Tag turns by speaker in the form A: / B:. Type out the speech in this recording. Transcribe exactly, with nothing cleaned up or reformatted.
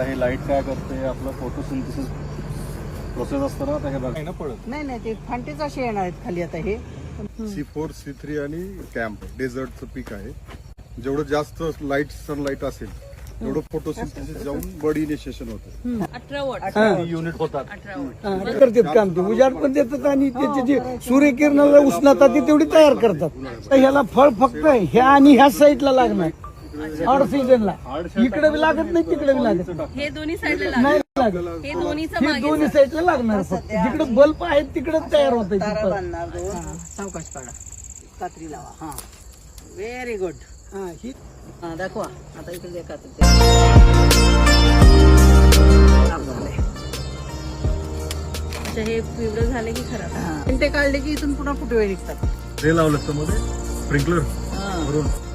A: आता हे लाईट काय करते, आपलं फोटोसिंथेसिस प्रोसेस असतं ना, आता हे बघा ना पडत
B: नाही नाही ते फांटेच असे येणार आहेत खाली आता हे.
A: सी फोर सी थ्री आणि कॅम्प डेझर्टचं पीक आहे. जेवढं जास्त लाईट सनलाईट असेल तेवढं फोटोसिंथेसिस जाऊन बड इनिशिएशन होतं.
C: अठरा वॉट
A: युनिट होतात.
C: अठरा वॉट
D: करतात काम ते उजाड पण देतात आणि त्याची जी सूर्यकिरणाला उष्णता ती तेवढी तयार करतात. तर ह्याला फळ फक्त ह्या आणि ह्या साईडला लागणार ऑड सीझनला. इकडे बी लागत नाही तिकडे बी लागत
C: हे दोन्ही साईडला
D: नाही
C: लागेल.
D: लागत.
C: हे दोन्हीचं
D: हे
C: मागे
D: दोन्ही साईडला लागणार फक्त. जिकडे बल्ब आहेत तिकडे तयार होत
B: तारा बांधणार दोन. सावकाश पाडा, कात्री लावा. हा व्हेरी गुड.
D: हा ही
B: हा दाखवा आता इकडे जे कात्री
C: अच्छा, हे पिवळं झाले की खराब.
B: ते काढले की इथून पुन्हा फुटवे निघतात.
A: ते लावलं मध्ये स्प्रिंकलर
B: हा.
A: भरून